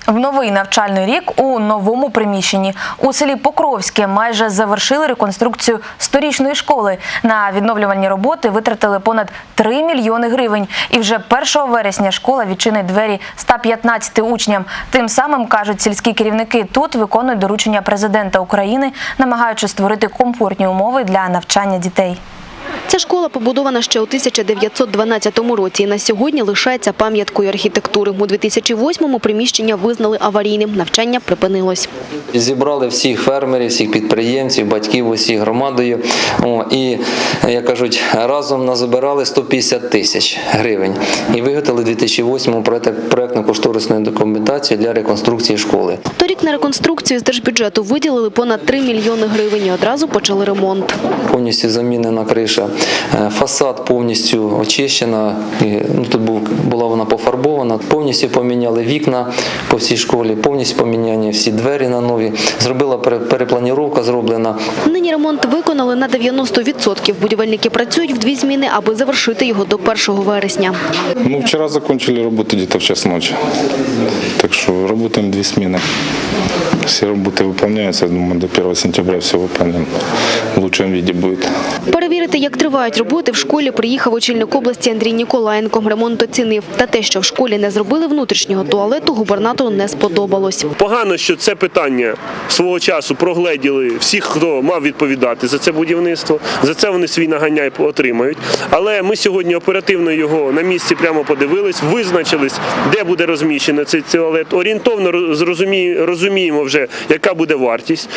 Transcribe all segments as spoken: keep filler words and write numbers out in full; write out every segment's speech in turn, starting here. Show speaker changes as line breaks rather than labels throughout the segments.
В новий навчальний рік у новому приміщенні. У селі Покровське майже завершили реконструкцію сторічної школи. На відновлювальні роботи витратили понад три мільйони гривень. І вже першого вересня школа відчинить двері ста п'ятнадцяти учням. Тим самим, кажуть сільські керівники, тут виконують доручення президента України, намагаючись створити комфортні умови для навчання дітей.
Ця школа побудована ще у тисяча дев'ятсот дванадцятому році і на сьогодні лишається пам'яткою архітектури. У дві тисячі восьмому приміщення визнали аварійним, навчання припинилось.
Зібрали всіх фермерів, всіх підприємців, батьків усіх громадою. О, і, як кажуть, разом назбирали сто п'ятдесят тисяч гривень. І виготовили у дві тисячі восьмому проєктно-кошторисну документацію для реконструкції школи.
Торік на реконструкцію з держбюджету виділили понад три мільйони гривень і одразу почали ремонт.
Повністю замінена криша, фасад повністю очищена, ну, тут був, була вона пофарбована, повністю поміняли вікна по всій школі, повністю поміняні всі двері на нові, зробила перепланіровка зроблена.
Нині ремонт виконали на дев'яносто відсотків. Будівельники працюють в дві зміни, аби завершити його до першого вересня.
Ну, вчера закончили работу где-то в час ночи, так что работаем две смены. Все работы выполняются, я думаю, до первого сентября все выполним. В лучшем виде будет.
Перевірити, як тривають роботи, в школі приїхав очільник області Андрій Ніколаєнко. Ремонт оцінив. Та те, що в школі не зробили внутрішнього туалету, губернатору не сподобалось.
Погано, що це питання свого часу прогледіли всіх, хто мав відповідати за це будівництво. За це вони свій наганяй отримають. Але ми сьогодні оперативно його на місці прямо подивились, визначились, де буде розміщений цей туалет. Орієнтовно розуміємо вже, яка буде вартість.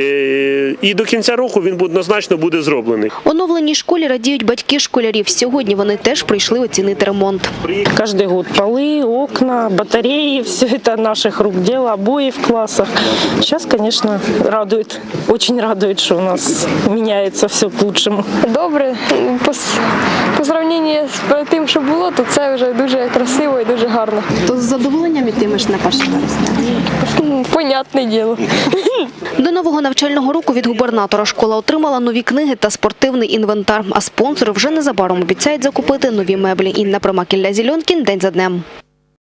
І до кінця року він однозначно буде зроблений.
Оновленій школі радіють батьки школярів. Сьогодні вони теж прийшли оцінити ремонт.
Каждый год полы, окна, батареи, все это наших рук дело, обои в классах. Сейчас, конечно, радует, очень радует, что у нас меняется все к лучшему.
Добре, по, по сравненню з тим, що було, то це вже дуже красиво і дуже гарно.
То з задоволенням йтимеш на перше вересня?
Понятне діло.
До нового навчального року від губернатора школа отримала нові книги та спортивний інвентар. А спонсори вже незабаром обіцяють закупити нові меблі. Інна Примак, Ілля Зільонкін. День за днем.